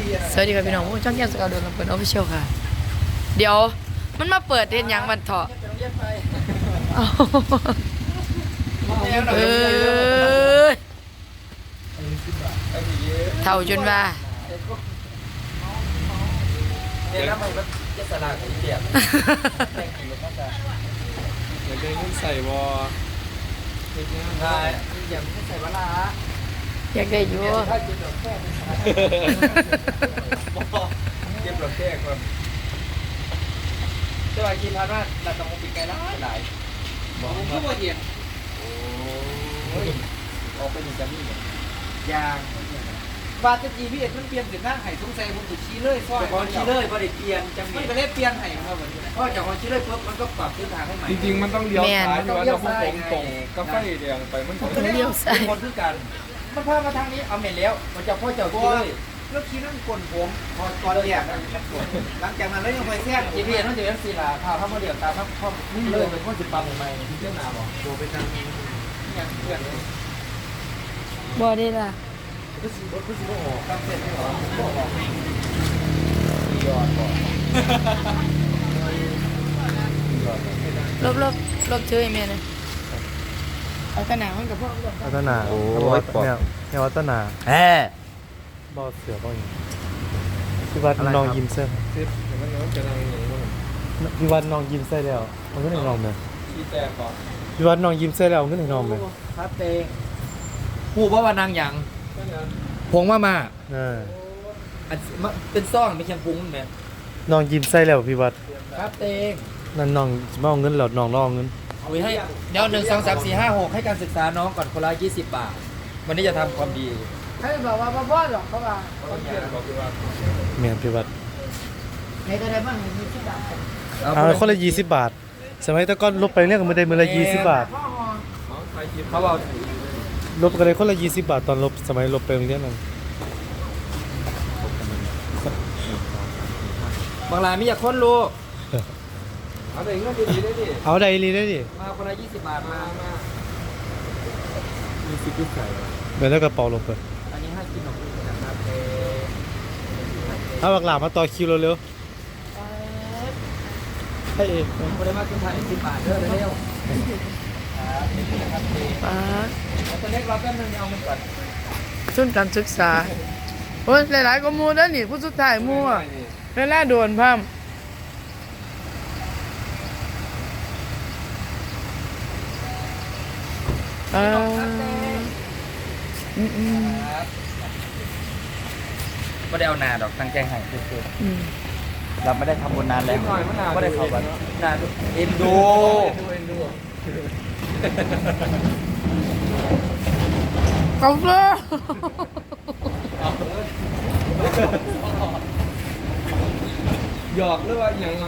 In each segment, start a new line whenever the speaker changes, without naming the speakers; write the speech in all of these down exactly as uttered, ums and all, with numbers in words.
สวัสดีครับพี่น้องช่องแก้มสกาวเดินลำเพลินออฟฟิเชียลค่ะเดี๋ยวมันมาเปิดเห็นยังวันเถาะเออเท่าจนว่า
เนี่ยแล้วมันจะสลากของเปียกแต่งกี่ก็จะ
เหมือนเดินขึ้นใส่วอ
ใช่อย่างที่ใส่วลา
อยากได้อยู่
ถ้าเก็บดอกแค่เก็บดอกแค่ก่อนสวัสดีพันว่าเราต้องมุกปีกไก่แล้วหลายบอกว่าบ่เห็นโอ้ยออกไปหนึ่งจำนี่เนี่ยยางบาตจีพี่เอ็ดมันเปลี่ยนเป็นหน้าไห่ทุ่งใส่ผมจะชี้เลยซ้อยของชี้เลยพอได้เปลี่ยนจังมันก็เลยเปลี่ยนไห่มาเหมือนกันพอจากของชี้เลยปุ๊บมันก็ปรับเส้นทางให้ใหม่
จริงๆมันต้องเลี้ยวซ้ายอยู่ว่าเราพุ่งตรงตรงก็ไฟแดงไปมันก็
เลี้ยวซ้าย
คนคือกันมันพามาทางนี้เอาเม็ดแล้วมันจะพ่อเจ้าชี้เลยแล้วชี้นั่นกลนผมพอก่อนเรียกหลังจากนั้นแล้วยังไปแทรกจีพีเอ็ดมันจะเป็นสีลาข้าวข้าวโมเดลตามข้าวข้าวเลยเป็นข้อสิบปั๊มใหม่ที่เจ้าหน้าบอกโดไปทางนี้อย่างเพื่อนเลย
บ่ได้ล่ะ
ก็สิบก็สิบโอ้ตั้งเสร็จไม่หรอบอกยอดบอก
ลบลบลบเชื่อเมียเลยเอาตะหนามันกับพ่อ
วัฒนาโอ้เนี่ยเนี่ยวัฒนา
แฮ่
บอเสือบ่อย่างพี่วัดน้องยิ้มเส้น
ซิปเดี๋ยวมันจะนั่งอย่างนี้
พี่วัดน้องยิ้มเส้นแล้วมันก็ไหนน้องไหม
ชี้แตกก่อน
พี่วัดน้องยิ้มเส้นแล้วมันก็ไหนน้องไหม
ครับเตงผู้ว่าว่านางอย่างพงมามา
เออ
เป็นซ่องไม่ใช่พุงไหม
น้องยิ้มเส้นแล้วพี่วัด
ครับเตง
นั่นน้องมาเอาเงินหลอดน้องรอเงิน
เอาไว้ให้เดี๋ยวหนึ่งสองสามสี่ห้าหกให้การศึกษาน้องก่อนคนละยี่สิบบาทวันนี้จะทำความดี
ให้บอกว่าพ่อหรอกเขาว่า
เมียพี่วัด
ในกระไดบ้างมีที่บาท
เอาคนละยี่สิบบาทสมัยตะก้อนลบไปเรื่องมันได้มือละยี่สิบบาท
เขาบอก
ลบกันเลยคนละยี่สิบบาทตอนลบสมัยลบไปเรื่องนั้น
บางรายไม่อยากค้นลูก
เอาได้เงินดีได้ดิ
เอาได้ลีได้ดิ
มาคนละยี่สิบบาทมามา
มีสิบยุคใส่
เดี๋ยวแล้วกระเป๋าลงไป
อันนี้ให้กินหนมนะครับ
เอาบักหลามาต่อคิวเร็วๆให้เอง
คนได้มาขึ้นถ่ายสิบบาทเด้อเร็ว
ป้า
ตัวเล็กเราแป๊บนึงเอามันก่อน
ทุนการศึกษาโอ้ยหลายๆก็มูนั่นนี่ผู้สุดท้ายมูอ่ะเวลาโดนพัมอ่าอืมอืม
ก็ได้เอานาดอกตั้งใจให้คือเราไม่ได้ทำบุญนานแล้วก็ได้เข้าวัดนานเอ็นดู
เอ็นดู
กาแฟ
หยอกหรือว่าอย่างไร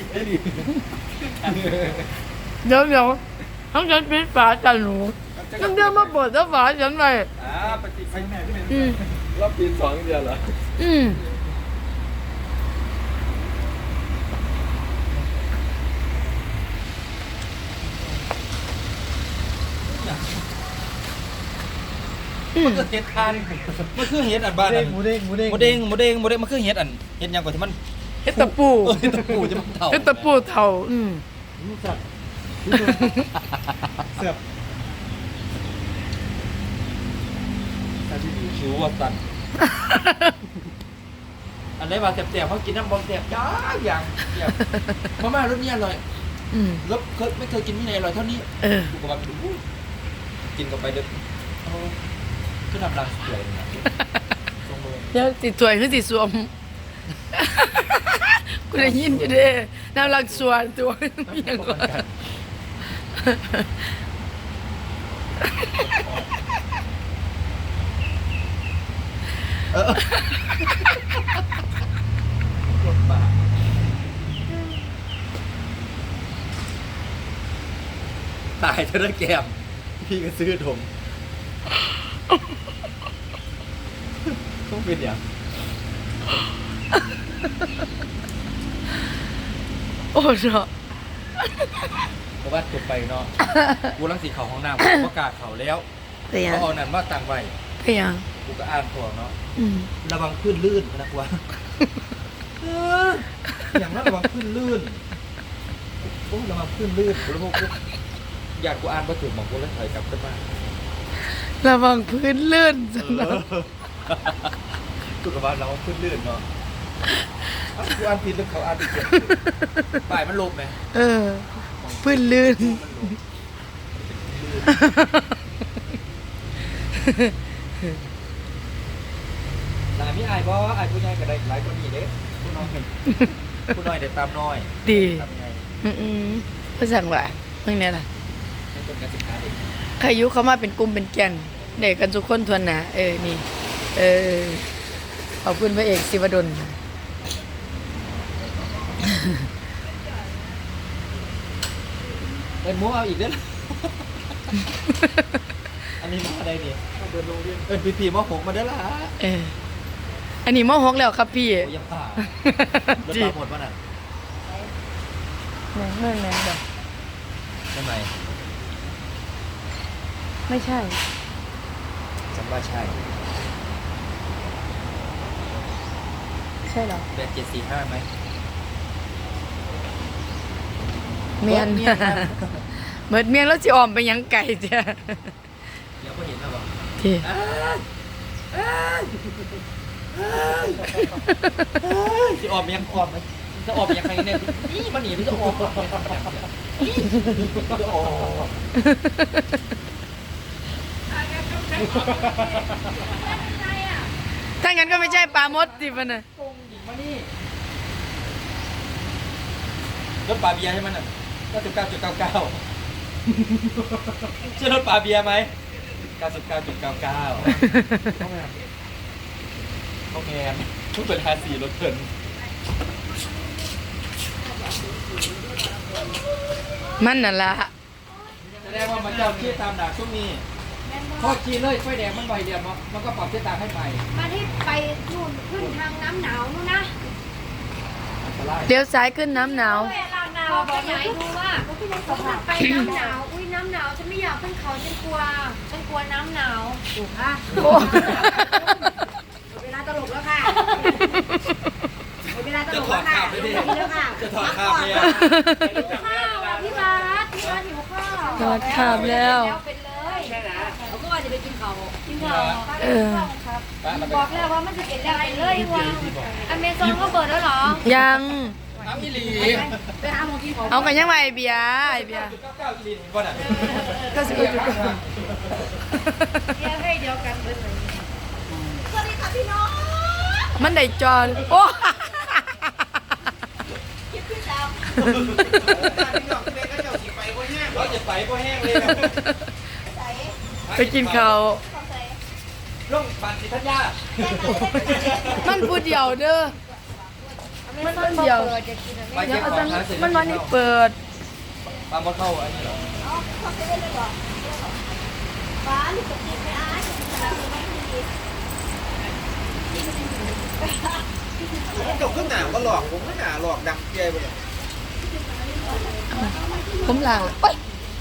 เดี๋ยวเดี๋ยวทั้งฉันปิดฝาจันหนูทั้งเดียวมาเปิดแล้วฝาฉันไป
อ่าปฏิไปแม่ที่
อืม
รอบปีสองเดือนเหรอ
อืม
มันคือเห็ดทานมันคือเห็ดอันบ้าน
หมูเด้งหมูเด้ง
หมูเด้งหมูเด้งหมูเด้งมันคือเห็ดอันเห็ดยังกว่าที่มัน
เห็ดตะปู
เห็ดตะปูจะมันเท่า
เห็ดตะปูเท่าอืม
สับเสียบ
ชิวว่าสันอันไหนว่าเสียบๆเขากินน้ำบอมเสียบจ้าอย่างเสียบเพราะแม่รสนี้อร่อยรสเคยไม่เคยกินที่ไหนอร่อยเท่านี้ดูกับมันดูกินกับไปเด็ดขึ้นน้ำรังสวย
เดี๋ยวติดถวยขึ้นติดสวมกูได้ยินอยู่เด้น้ำรังสวนตัวอย่างก่อน
ตายเธอได้แก้มพี่ก็ซื้อถมต้องเป็นอย่าง
โอ้เนาะ
เพราะว่าจบไปเนาะกูรังสีเขาห้องน้ำประกาศเขาแล้วเขาเอานั่นว่าต่างไว้
เพียง
กูก็อ่านของเนาะ
อืม
ระวังขึ้นลื่นนะกว่าเอออย่างนั้นระวังขึ้นลื่นโอ้ระวังขึ้นลื่นกูแล้วพวกกูอยากกูอ่านมาถึงมองกูแล้วถอยกลับขึ้นมา
ระวังพื้นลื่นจังนะ
กูกับว่าเราขึ้นลื่นเนาะอ้าวกูอ่านผิดหรือเขาอ่านผิดป่ายมันลบไหม
เออพื้นลื่น
มันลบหลายมีอายบ่อายผู้ใหญ่ก็ได้หลายคนนี้เด้ผู้น้อยผู้น้อยได้ตามน้อย
ดี
ตามใหญ่
อืมๆภาษาว่าเมื่อนี้ล่ะ
ให้คนการศึกษาเด็ก
ใครอยุเข้ามาเป็นกลุ่มเป็นแก่นเด็กกันทุกคนทวนหนะเออนี่เออขอบคุณพระเอกศิวดล
เอ็นหมูเอาอีกเด้อ อันนี้มาอะไรเนี่ยเดินโรงเรียนเอ็นพีพีมาหกมาเด้อล่ะ
เอออันนี้มหกแล้วครับพี่
โอ้ยยังผ่ารถ
จี
ตาหมดป่ะน่ะ
แม่งเรื่องนั้นแบบ
ใช่ไหม
ไม่ใช่
จำว่าใช่
ใช่เหรอ
แปดเจ็ดสี่ห้าไหม
เมียน
เมียนครับ
เบิดเมียนแล้วสิออมไปหยังไก่จ้ะ
เดี๋ยวก็เห็นแล้วบอก
ที่
อ้ายอ้ายอ้ายอ้ายจะออกยังออกไหมจะออกยังไงเนี่ยนี่มันหนีมันจะออกจะออก
ถ้างั้นก็ไม่ใช่ปลามดสิมันน่ะ
ตรงหญิงมานี่รถปลาเบียร์ใช่ไหมน่ะเก้าสิบเก้าจุดเก้าเก้าใช่รถปลาเบียร์ไหมเก้าสิบเก้าจุดเก้าเก้าเข้าแมนเข้าแมนทุกเป็นฮาสีรถเถิน
มันน่ะละ
แสดงว่ามันจะเอาขี้ตามด่าช่วงนี้ทอดขี้เลยไฟแดงมันใบเดียวมันมันก็ปรับขี้ตามให้ใหม่
มาที่ไปนู่นขึ้นทางน้ำหนาวนู่นนะ
อันตราย
เลี้ยวซ้ายขึ้นน้ำหนาว
เวลาหนาวบอกยายดูว่ามันไปน้ำหนาวอุ้ยน้ำหนาวฉันไม่อยากขึ้นเขาฉันกลัวฉันกลัวน้ำหนาวถูกค่ะ
โอ้
เวลาตลกแล้วค่ะเวลาต
จะ
ลก
ถอ
แล้
ด
วค่ะ
ข้าวไปดิ
แล้วค่ะ
จะถอดข้าวเนี่ย
หิวข้าวอ่ะพี่บาสพี่บาสหิวข้าว
ถอดขาบแล้ว
เป็นเลยใช่ไหมเขาก็ว่าจะไปกินข้าวกินข้าว
เออ
บอกแล้วว่ามันจะเป็นอะไรเลยว่าอเมซอนก็เปิดแล้วเหรอ
ยัง
น้ำอีหลี
ไปหาหมอกินของ
เอากันยังไงเบียร์ไอเบียร์
เก้าเก้าอีหลีเห็นป่ะน่ะ
ก็สิบเอ็ดจุดเก้า
เดี๋ยวให้เดียวกันเบิดเลยสวัสดีค่ะพี่น้อง
มันได้จอนโอ้
คิดพี่สาว
เราจะใส่พอแห้งเลย
ไปกินข้าว
ลงบันทิทัญญา
มันพูดเดียวเด้อ
มันมันเดียวจะกินอะไร
ไป
เดี๋
เก็
ยว
บ
เอา
ข
จั
อง
ง
หาเสร็จ
มันวันนี้เปิด
ปลาหมดเข้าอันนี้เหรอ
ฟ้าหรือจะกินไม่อายแบบนี้ไม่ดี
จบขึ้นหนาวก็หลอกผมก็หนาหลอกดังเจไปเลย
ผมหลังโอ๊ย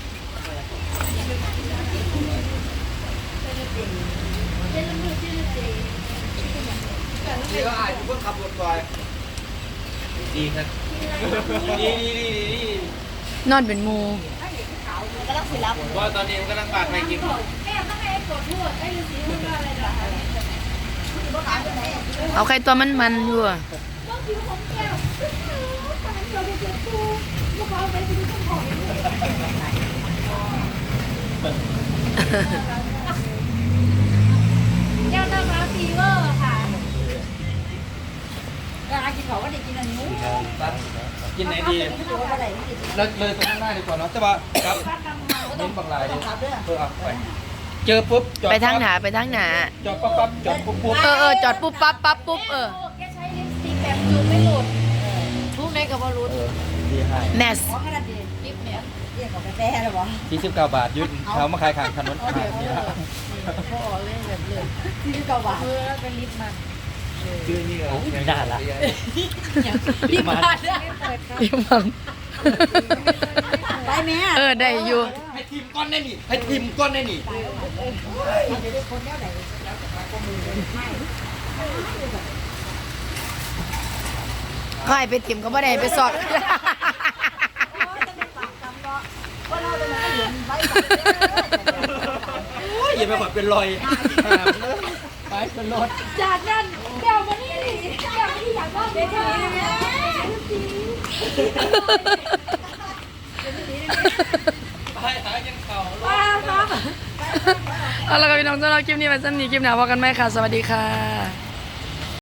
ดีก็อายผมก็ขับรถไปดีครับดีดีดีดี
นอนเป็นหมู
ก็ต้องสิรับ
ว่าตอนนี้มันกำลังปาดไปกิน
แม่ต้องให้กดพูดให้ฤาษีพูดว่าอะไรนะ
เอาใครตัวมันมันอยู่อะ
ต้องผิวของแก้วตอนนั้นเราไปเจอปูลูกเขาไปดูต้นหอยแก้วน้ำร้านฟีเวอร์ค่ะร้านกินเขาก็ได้กินอันนี้
กินไหนดีเราเลยตรงข้างหน้าดีกว่าเนาะแต่ว่าครับเน้นบางรายดิเออเอาไปเจอปุ๊บจอด
ไปทางหนาไปทางหนา
จอดปั๊บปั๊บจอดปุ๊บปุ๊บ
เออเออจอดปุ๊บปั๊บปั๊บปุ๊บเออ
แกใช้ลิปสติกแบบจุดไม่หลุดทุกในกับบอลลูน
เออดีให้
แมส
ขอกระดาษเด็ดลิปเนี่ยเรียกกับกาแฟหรอวะ
ยี่สิบเก้าบาทยืดเขามาขายขางถนนขายนี่ละ
พ่อเล่นแบบเลยที่เก่าบาทเออแล้วก็ลิปมา
ชื่อนี่เหรอไม่ได้ละ
ลิปมาเนี่ยเปิดครับ
เดี๋ยวมัง
ไปแม่
เออได้อยู่
ให้ทีมก้อนได้นี่ให้ทีมก้อนได้นี่
มันจะได้คนแนวไหน
ก็ให้ไปถิ่มก็ไม่ได้ไปสอด
อย่าไปแบบเป็นรอยไปเป็นรถ
จากนั้นเดี๋ยวมานี่เดี๋ยวมาที่อยากว่าเดี๋ยวนี้
ไปหายังเข่า
ว้าครับ
เอาละครับพี่น้องสำหรับคลิปนี้ไปสั้นนี้คลิปหน้าพบกันไหมค่ะ สวัสดีค่ะ